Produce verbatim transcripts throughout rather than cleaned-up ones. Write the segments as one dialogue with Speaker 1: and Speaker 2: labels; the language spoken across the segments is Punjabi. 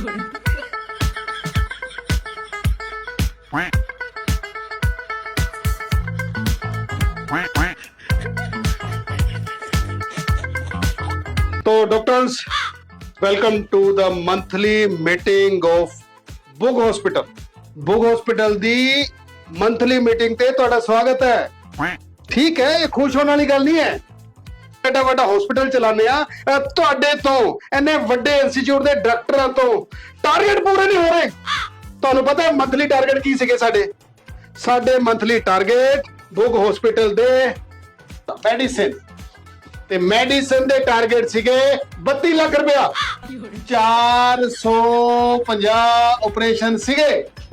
Speaker 1: तो doctors, welcome to the monthly meeting of Bugg hospital. Bugg hospital दी मंथली मीटिंग ते तुहाडा स्वागत है। ठीक है, ये खुश होने वाली गल नहीं है। एडा वड्डा हॉस्पिटल चलाने आ, तुहाडे तो इन्ने वड्डे इंस्टीट्यूट दे डायरेक्टरां तो टारगेट पूरे नहीं हो रहे। तुहानू पता है मंथली टारगेट की सीगे साडे? साडे मंथली टारगेट बुग हॉस्पिटल दे मेडिसिन ते मेडिसिन दे टारगेट सीगे बत्ती लाख रुपया। चार सौ पचास ऑपरेशन सीगे।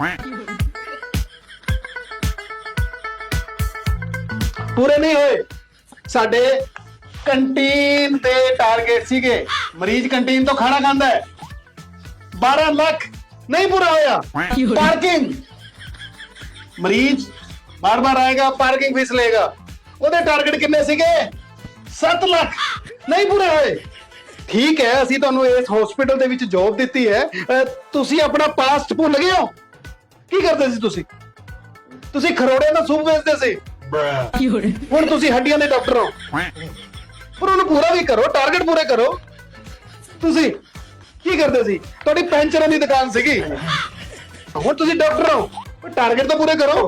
Speaker 1: पूरे नहीं होए। साडे कंटीन दे टारगेट सीगे, मरीज कंटीन तो खाना खांदा है, बारह लाख नहीं पूरा होया। पार्किंग, मरीज बार बार आएगा, पार्किंग फीस लेगा, ਉਹਦੇ टारगेट किन्ने सीगे? सत्त लाख नहीं पूरे होए। ठीक है, ਅਸੀਂ ਤੁਹਾਨੂੰ ਇਸ ਹਸਪੀਟਲ ਦੇ ਵਿੱਚ ਜੌਬ ਦਿੱਤੀ ਹੈ, ਤੁਸੀਂ ਆਪਣਾ ਪਾਸਟ ਭੁੱਲ ਗਏ ਹੋ? ਕੀ ਕਰਦੇ ਸੀ ਤੁਸੀਂ? ਤੁਸੀਂ ਖਰੋੜੇ ਦਾ ਸੂਪ ਵੇਚਦੇ ਸੀ। ਹੁਣ ਤੁਸੀਂ ਹੱਡੀਆਂ ਦੇ ਡਾਕਟਰ ਹੋ। ਪਰ ਉਹਨੂੰ ਪੂਰਾ ਵੀ ਕਰੋ, ਟਾਰਗੇਟ ਪੂਰੇ ਕਰੋ। ਤੁਸੀਂ ਕੀ ਕਰਦੇ ਸੀ? ਤੁਹਾਡੀ ਪੈਂਚਰਾਂ ਦੀ ਦੁਕਾਨ ਸੀਗੀ, ਹੁਣ ਤੁਸੀਂ ਡਾਕਟਰ ਹੋ, ਟਾਰਗੇਟ ਤਾਂ ਪੂਰੇ ਕਰੋ।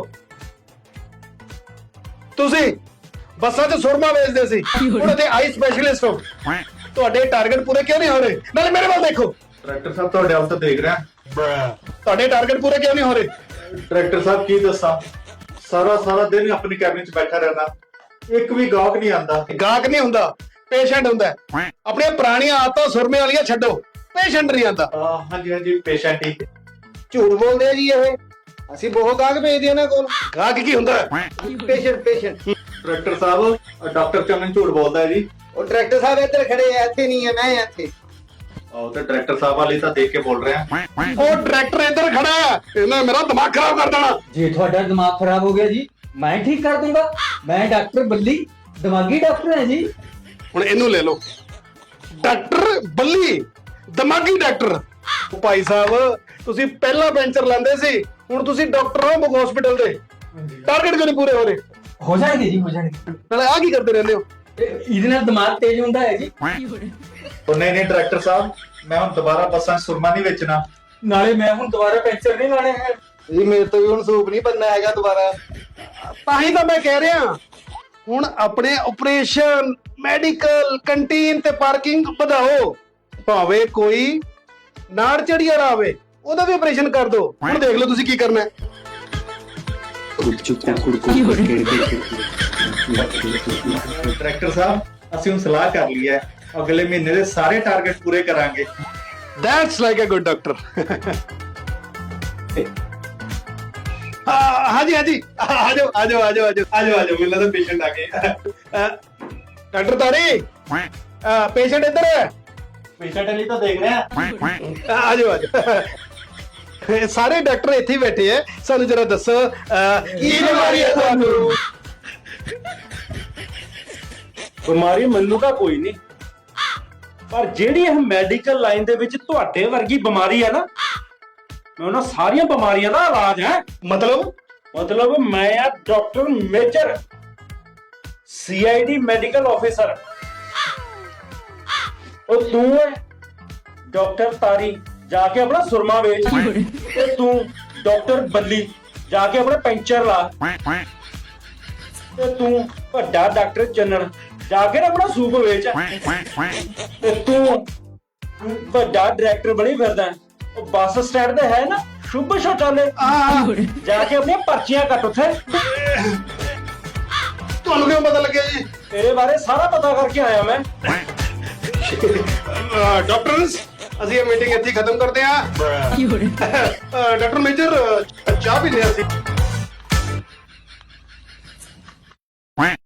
Speaker 1: ਤੁਸੀਂ ਬੱਸਾਂ 'ਚ ਸੁਰਮਾ ਵੇਚਦੇ ਸੀ, ਹੁਣ ਇੱਥੇ ਆਈ ਸਪੈਸ਼ਲਿਸਟ ਹੋ। ਤੁਹਾਡੇ ਟਾਰਗੇਟ ਪੂਰੇ ਕਿਉਂ ਨਹੀਂ ਹੋ ਰਹੇ? ਨਾਲੇ ਮੇਰੇ ਵੱਲ ਦੇਖੋ।
Speaker 2: ਡਾਇਰੈਕਟਰ ਸਾਹਿਬ ਤੁਹਾਡੇ ਵੱਲ ਤਾਂ ਦੇਖ ਰਿਹਾ।
Speaker 1: ਤੁਹਾਡੇ ਟਾਰਗੇਟ ਪੂਰੇ ਕਿਉਂ ਨਹੀਂ ਹੋ ਰਹੇ?
Speaker 2: ਡਾਇਰੈਕਟਰ ਸਾਹਿਬ ਕੀ ਦੱਸਾਂ, ਸਾਰਾ ਸਾਰਾ ਦਿਨ ਆਪਣੀ ਕੈਬਿਨ 'ਚ ਬੈਠਾ ਰਹਿਣਾ, ਇੱਕ ਵੀ ਗਾਹਕ ਨਹੀਂ ਆਂਦਾ।
Speaker 1: ਗਾਹਕ ਨਹੀਂ ਹੁੰਦਾ, ਪੇਸ਼ੈਂਟ ਹੁੰਦਾ। ਆਪਣੀਆਂ ਪੁਰਾਣੀਆਂ ਆਦਤਾਂ ਸੁਰਮੇ ਵਾਲੀਆਂ ਛੱਡੋ, ਪੇਸ਼ੈਂਟ ਨਹੀਂ ਆਂਦਾ।
Speaker 2: ਹਾਂਜੀ ਹਾਂਜੀ, ਪੇਸ਼ੈਂਟ ਹੀ।
Speaker 3: ਝੂਠ ਬੋਲਦੇ ਆ ਜੀ ਇਹ। ਅਸੀਂ ਬਹੁਤ ਗਾਹਕ ਭੇਜਦੇ ਇਹਨਾਂ ਕੋਲ।
Speaker 1: ਗਾਹਕ ਕੀ ਹੁੰਦਾ?
Speaker 3: ਪੇਸ਼ੈਂਟ ਪੇਸ਼ੈਂਟ
Speaker 2: ਡਾਇਰੈਕਟਰ ਸਾਹਿਬ, ਡਾਕਟਰ ਚੰਨਨ ਝੂਠ ਬੋਲਦਾ ਹੈ ਜੀ।
Speaker 3: ਉਹ ਡਾਇਰੈਕਟਰ ਸਾਹਿਬ ਇੱਧਰ ਖੜੇ ਆ, ਇੱਥੇ ਨਹੀਂ ਹੈ, ਮੈਂ ਇੱਥੇ।
Speaker 2: ਉਹ ਤੇ ਡਾਇਰੈਕਟਰ ਸਾਹਿਬ ਵਾਲੀ ਤਾਂ ਦੇਖ ਕੇ ਬੋਲ ਰਿਹਾ।
Speaker 1: ਉਹ ਡਾਇਰੈਕਟਰ ਇੱਧਰ ਖੜਾ ਹੈ, ਇਹਨੇ ਮੇਰਾ ਦਿਮਾਗ ਖਰਾਬ ਕਰ ਦੇਣਾ।
Speaker 4: ਜੇ ਤੁਹਾਡਾ ਦਿਮਾਗ ਖਰਾਬ ਹੋ ਗਿਆ ਜੀ, ਮੈਂ ਠੀਕ ਕਰ ਦੂੰਗਾ। ਮੈਂ ਡਾਕਟਰ ਬੱਲੀ, ਦਿਮਾਗੀ ਡਾਕਟਰ ਹਾਂ ਜੀ।
Speaker 1: ਹੁਣ ਇਹਨੂੰ ਲੈ ਲਓ, ਡਾਕਟਰ ਬੱਲੀ, ਦਿਮਾਗੀ ਡਾਕਟਰ। ਭਾਈ ਸਾਹਿਬ, ਤੁਸੀਂ ਪਹਿਲਾਂ ਪੈਂਚਰ ਲਾਉਂਦੇ ਸੀ, ਹੁਣ ਤੁਸੀਂ ਡਾਕਟਰ ਹੋ ਬੁਗ ਹਸਪੀਟਲ ਦੇ। ਟਾਰਗੇਟ ਕਿਉਂ ਨਹੀਂ ਪੂਰੇ ਹੋ ਰਹੇ?
Speaker 4: ਹੋ ਜਾਣਗੇ ਜੀ, ਹੋ ਜਾਣਗੇ।
Speaker 1: ਨਾਲੇ ਆ ਕੀ ਕਰਦੇ ਰਹਿੰਦੇ ਹੋ?
Speaker 4: ਇਹਦੇ ਨਾਲ ਦਿਮਾਗ ਤੇਜ਼ ਹੁੰਦਾ ਹੈ ਜੀ।
Speaker 2: ਉਹ ਨਹੀਂ ਨਹੀਂ ਡਾਇਰੈਕਟਰ ਸਾਹਿਬ, ਮੈਂ ਹੁਣ ਦੁਬਾਰਾ ਬੱਸਾਂ 'ਚ ਸੁਰਮਾ ਨਹੀਂ ਵੇਚਣਾ।
Speaker 4: ਨਾਲੇ ਮੈਂ ਹੁਣ ਦੁਬਾਰਾ ਪੈਂਚਰ ਨਹੀਂ ਲਾਣੇ ਹੈ
Speaker 3: ਜੀ। ਮੇਰੇ ਤੋਂ ਵੀ ਹੁਣ ਸੂਪ ਨਹੀਂ ਬਣਨਾ ਹੈਗਾ ਦੁਬਾਰਾ।
Speaker 1: ਤਾਂ ਹੀ ਤਾਂ ਮੈਂ ਕਹਿ ਰਿਹਾ, ਹੁਣ ਆਪਣੇ ਆਪਰੇਸ਼ਨ, ਮੈਡੀਕਲ, ਕੰਟੀਨ ਤੇ ਪਾਰਕਿੰਗ ਵਧਾਓ। ਭਾਵੇਂ ਕੋਈ ਨਾੜ ਚੜੀ ਵਾਲਾ ਆਵੇ, ਉਹਦਾ ਵੀ ਆਪਰੇਸ਼ਨ ਕਰ ਦਿਓ। ਹੁਣ ਦੇਖ ਲਓ ਤੁਸੀਂ ਕੀ ਕਰਨਾ ਹੈ।
Speaker 2: ਡਾਇਰੈਕਟਰ ਸਾਹਿਬ, ਅਸੀਂ ਹੁਣ ਸਲਾਹ ਕਰ ਲਈ ਹੈ, ਅਗਲੇ ਮਹੀਨੇ ਦੇ ਸਾਰੇ ਟਾਰਗੇਟ ਪੂਰੇ ਕਰਾਂਗੇ।
Speaker 1: That's like a good doctor. ਹਾਂਜੀ ਹਾਂਜੀ, ਆ ਜਾਓ ਆ ਜਾਓ ਆ ਜਾਓ ਆ ਜਾਓ
Speaker 2: ਆ ਜਾਓ ਆ ਜਾਓ, ਮੈਨੂੰ ਲੱਗਦਾ ਪੇਸ਼ੈਂਟ ਆ ਗਏ।
Speaker 1: ਡਾਕਟਰ ਤਾਰੀ, ਪੇਸ਼ੈਂਟ ਇੱਧਰ ਹੈ।
Speaker 2: ਪੇਸ਼ੈਂਟ ਲਈ ਤਾਂ ਦੇਖ ਰਿਹਾ।
Speaker 1: ਆ ਜਾਓ ਆ ਜਾਓ। ਇਹ ਸਾਰੇ ਡਾਕਟਰ ਇੱਥੇ ਹੀ ਬੈਠੇ ਐ। ਸਾਨੂੰ ਜਰਾ ਦੱਸੋ, ਕੀ ਬਿਮਾਰੀ ਹੈ ਤੁਹਾਨੂੰ?
Speaker 5: ਬਿਮਾਰੀ ਮੈਨੂੰ ਤਾਂ ਕੋਈ ਨਹੀਂ, ਪਰ ਜਿਹੜੀ ਇਹ ਮੈਡੀਕਲ ਲਾਈਨ ਦੇ ਵਿੱਚ ਤੁਹਾਡੇ ਵਰਗੀ ਬਿਮਾਰੀ ਹੈ ਨਾ, ਮੈਂ ਉਹਨਾਂ ਸਾਰੀਆਂ ਬਿਮਾਰੀਆਂ ਦਾ ਇਲਾਜ ਹੈ।
Speaker 1: ਮਤਲਬ
Speaker 5: ਮਤਲਬ ਮੈਂ ਆ doctor major, C I D medical officer. ਉਹ ਤੂੰ ਹੈ ਡਾਕਟਰ ਤਾਰੀ, ਜਾ ਕੇ ਆਪਣਾ ਸੁਰਮਾ ਵੇਚ। ਤੇ ਤੂੰ ਡਾਕਟਰ ਬੱਲੀ, ਜਾ ਕੇ ਆਪਣਾ ਪੈਂਚਰ ਲਾ। ਤੇ ਤੂੰ ਵੱਡਾ ਡਾਕਟਰ ਚੰਨਣ, ਜਾ ਕੇ ਆਪਣਾ ਸੂਪ ਵੇਚ। ਤੇ ਤੂੰ ਵੱਡਾ ਡਾਇਰੈਕਟਰ ਬਣੀ ਫਿਰਦਾ, ਉਹ ਬੱਸ ਸਟੈਂਡ ਤੇ ਹੈ ਨਾ ਸ਼ੁਭ ਸ਼ੌਚਾਲੇ, ਜਾ ਕੇ ਆਪਣੀਆਂ ਪਰਚੀਆਂ ਕੱਟ ਉੱਥੇ।
Speaker 1: ਤੁਹਾਨੂੰ ਕਿਉਂ ਪਤਾ ਲੱਗਿਆ ਜੀ?
Speaker 5: ਤੇਰੇ ਬਾਰੇ ਸਾਰਾ ਪਤਾ ਕਰਕੇ ਆਇਆ ਮੈਂ।
Speaker 1: ਡਾਕਟਰਸ, ਅਸੀਂ ਇਹ ਮੀਟਿੰਗ ਇੱਥੇ ਖਤਮ ਕਰਦੇ ਹਾਂ। ਡਾਕਟਰ ਮੇਜਰ, ਚਾਹ ਪੀਂਦੇ ਹਾਂ ਅਸੀਂ।